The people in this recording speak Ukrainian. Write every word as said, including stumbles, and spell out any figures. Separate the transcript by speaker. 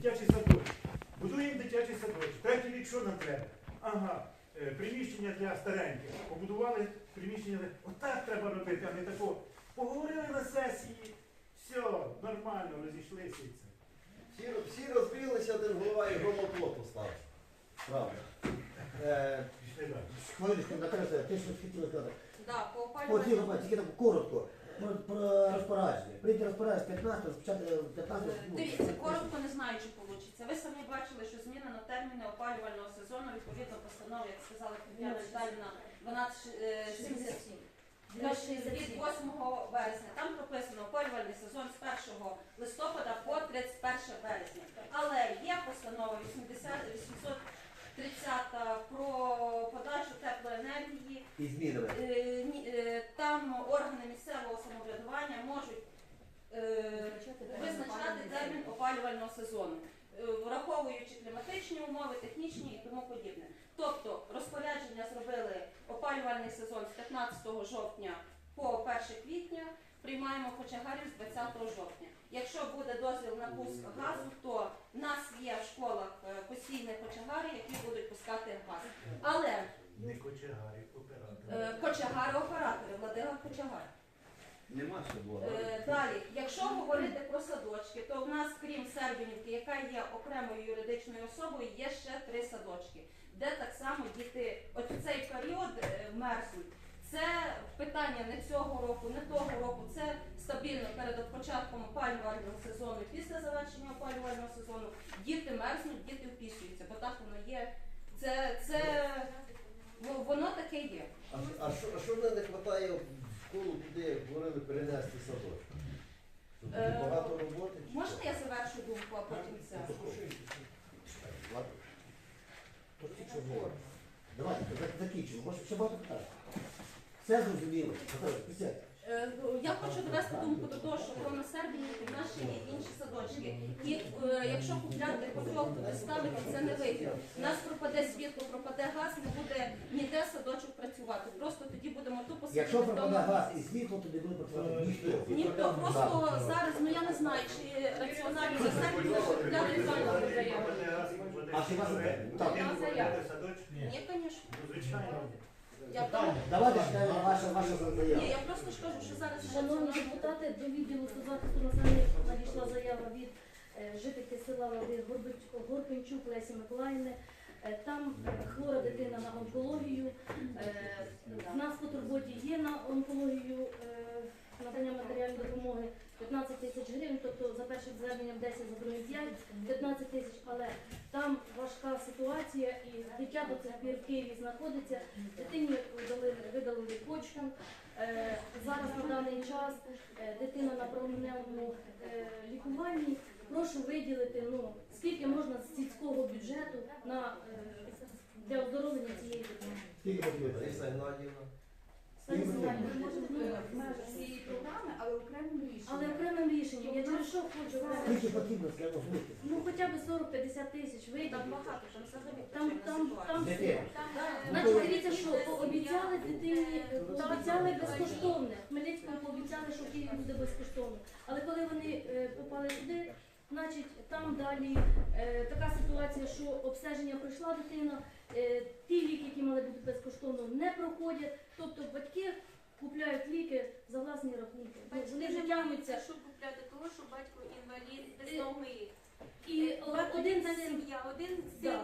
Speaker 1: дитячий садочок. Будуємо дитячий садочок. Третій рік що нам треба? Ага, е, приміщення для стареньких. Побудували приміщення для... Отак треба робити, а не такого. Поговорили на сесії, все, нормально, розійшлися і це.
Speaker 2: Всі, всі розбилися, один голова і громоплот поставив. Правда. Е,
Speaker 1: Пішли далі.
Speaker 3: Хвилиночку, Наталя, ти що хотіла сказати?
Speaker 4: Да, по
Speaker 3: Хотіла
Speaker 4: опалювальному
Speaker 3: сказати, тільки так коротко. Про, про розпорядження. Прийти розпорядження з п'ятнадцятого, розпочати п'ятнадцятого.
Speaker 4: Е, Дивіться, коротко не знаю, чи вийде. Ви самі бачили, що зміна на терміни опалювального сезону, відповідно постанови, як сказала Тетяна Віталіївна, дванадцять сімдесят сім. Від восьмого березня. Там прописано опалювальний сезон з першого листопада по тридцять перше березня. Але є постанова вісімсот тридцята про подачу теплоенергії.
Speaker 3: І змінами.
Speaker 4: Е, ні, е, Там органи місцевого самоврядування можуть е, визначати термін опалювального сезону, е, враховуючи кліматичні умови, технічні і тому подібне. Тобто розпорядження зробили опалювальний сезон з п'ятнадцятого жовтня по перше квітня, приймаємо кочегарів з двадцятого жовтня. Якщо буде дозвіл на пуск газу, то в нас є в школах е, постійні кочегари, які будуть пускати газ. Але
Speaker 1: Не кочегарі, оператори.
Speaker 4: е, кочегари-оператори, Владимир Кочегар.
Speaker 2: Нема ще було.
Speaker 4: Е, Далі, якщо говорити про садочки, то в нас, крім Сербінівки, яка є окремою юридичною особою, є ще три садочки, де так само діти, от в цей період е, мерзнуть. Це питання не цього року, не того року, це стабільно перед початком опалювального сезону, після завершення опалювального сезону. Діти мерзнуть, діти впісуються, бо так воно є. Це, це воно таке є.
Speaker 2: А, що- а що, а що не вистачає в школу, куди як говорили, перенести садочок? Щоб буде
Speaker 4: Е,
Speaker 2: багато роботи? чи
Speaker 4: Можна
Speaker 2: що?
Speaker 4: я завершу думку, а потім це?
Speaker 3: Ладно. Давайте, за- закінчимо. Може, ще багато питань. Все зрозуміло. Наталя, присядь.
Speaker 4: Е, Я хочу довести думку до того, що кроме Сербінівки в нас ще є інші садочки. І е, якщо купляти котел, туди ставити, це не вийде. У нас пропаде світло, пропаде газ, не буде ніде садочок працювати. Просто тоді будемо тупо сидіти
Speaker 3: Якщо пропаде
Speaker 4: вдома.
Speaker 3: газ і світло, то не буде працювати ніхто.
Speaker 4: Ніхто просто зараз, ну я не знаю, чи раціонально за Сербію купляти реально заяву.
Speaker 3: А чи вас
Speaker 1: Так,
Speaker 4: Так,
Speaker 1: я
Speaker 4: заяву.
Speaker 1: садочок?
Speaker 4: Ні, звісно.
Speaker 1: Ну, звичайно.
Speaker 4: Я тому-
Speaker 3: Давайте читаємо ваша, ваша
Speaker 4: Ні,
Speaker 3: заява.
Speaker 4: я просто ж кажу, що зараз
Speaker 5: Шановні депутати, до відділу соцзахисту населення надійшла заява від е, жительки села Води Горбич- Горпенчук Лесі Миколаївни. Е, Там е, хвора дитина на онкологію. Е, В нас по турботі є на онкологію е, надання матеріальної допомоги п'ятнадцять тисяч гривень, тобто за першим зверненням десять, за другим п'ять, п'ятнадцять тисяч, але там важка ситуація і дитя до цих пір в Києві знаходиться. Дитині видали, видалили почку. Е, Зараз на даний час е, дитина на променевому е, лікуванні. Прошу виділити, ну, скільки можна з сільського бюджету на, е, для оздоровлення цієї дитини.
Speaker 3: Скільки потрібно?
Speaker 2: Лариса Геннадіївна.
Speaker 5: Стані Семенівна,
Speaker 6: Ми можемо в межах цієї програми, але окремим рішенням.
Speaker 5: але окремим рішенням, я через що хочу окремим.
Speaker 3: Скільки потрібно, скажімо, змити?
Speaker 5: Ну хоча б сорок-п'ятдесят тисяч
Speaker 4: там
Speaker 5: виділити.
Speaker 4: багато, там взагалі
Speaker 5: Там, там, там
Speaker 3: Дитина.
Speaker 5: все.
Speaker 6: Там, е,
Speaker 5: Значить, дивіться, що пообіцяли дитині, пообіцяли безкоштовне. В Хмельницькому пообіцяли, що в Києві буде безкоштовно. Але коли вони е, попали туди, значить там далі е, така ситуація, що обстеження пройшла дитина, е, ті ліки, які мали бути безкоштовно, не проходять. Тобто батьки купляють ліки за власні рахунки. Ну, Вони вже тягнуться.
Speaker 6: Щоб купляти того, що батько інвалід без ноги.
Speaker 5: І
Speaker 6: Багатодітна
Speaker 5: один з сім-
Speaker 6: сім'я, один
Speaker 5: Да.
Speaker 6: син